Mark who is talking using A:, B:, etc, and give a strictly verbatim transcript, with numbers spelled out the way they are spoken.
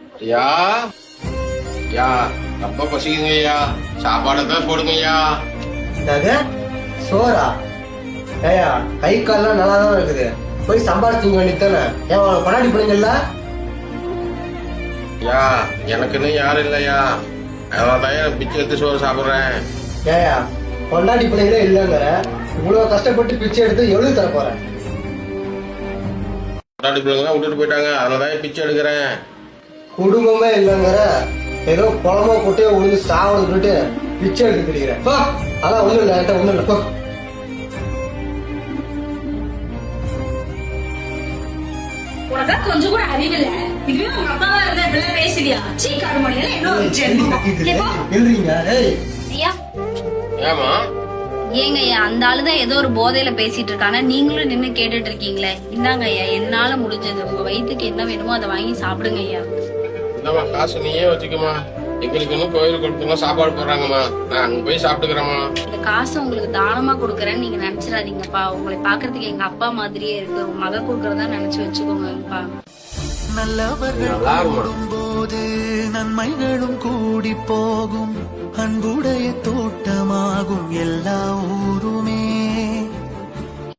A: ஐயா ஐயா ரொம்ப பசிக்குங்க ஐயா, சாப்பாடு தான் போடுங்க ஐயா.
B: என்னது சோறா? ஏயா கை கால்லாம் நல்லா தான் இருக்குது, போய் சம்பாதிச்சுங்க வேண்டியதானே. ஏன் உனக்கு கொண்டாடி போனீங்கல்ல?
A: ஐயா எனக்குன்னு யாரும் இல்லையா, அதனாலதான் எனக்கு பிச்சை எடுத்து சோறு சாப்பிடுறேன்.
B: ஏயா கொண்டாடி பிள்ளைங்களே இல்லைங்கிற, இவ்வளவு கஷ்டப்பட்டு பிச்சை எடுத்து எவ்வளவு தர போறேன்?
A: கொண்டாடி பிள்ளைங்க விட்டுட்டு போயிட்டாங்க, அதனாலதான் பிச்சை எடுக்கிறேன்.
B: குடும்பமே இல்லைங்கிற, ஏதோ குளமோ குட்டையோ உழுந்து சாவணும் சொல்லிட்டு பிச்சை எடுத்து தெரிகிறேன். அதான் ஒண்ணும் இல்லை, என்கிட்ட ஒண்ணும் இல்லை. போ.
C: உனக்கு கொஞ்சம் கூட அறிவில்ல. இதுவே உங்க அப்பாவா இருந்தா இப்படிலாம் பேசுவியா? சீ கருமணியில என்ன ஒரு ஜென்மம்.
B: எழுறீங்க? ஏய்
D: ஐயா
A: ஏமா
D: ஏங்க ஐயா, அந்த ஆளுதான் ஏதோ ஒரு போதையில பேசிட்டு இருக்காங்க, நீங்களும் நின்னு கேட்டுட்டு இருக்கீங்களே. இந்தாங்க ஐயா, என்னால முடிஞ்சது. உங்க வயிற்றுக்கு என்ன வேணுமோ அதை வாங்கி சாப்பிடுங்க ஐயா.
A: இந்தம்மா காசு நீயே வச்சுக்கமா, எங்களுக்கு இன்னும் கோயிலுக்கு கொடுத்தோம்னா சாப்பாடு போடுறாங்கம்மா, நான் அங்க போய் சாப்பிட்டுக்கிறேம்மா.
D: இந்த காசை உங்களுக்கு தானமா கொடுக்கறேன்னு நீங்க நினைச்சிடாதீங்கப்பா. உங்களை பாக்குறதுக்கு எங்க அப்பா மாதிரியே இருக்கு, உங்க மக கொடுக்கறதா நினைச்சு வச்சுக்கோங்கப்பா.
E: நல்லவர்கள் கூடும்போது நன்மைகளும் கூடி போகும், அன்புடைய தோட்டமாகும் எல்லா ஊருமே.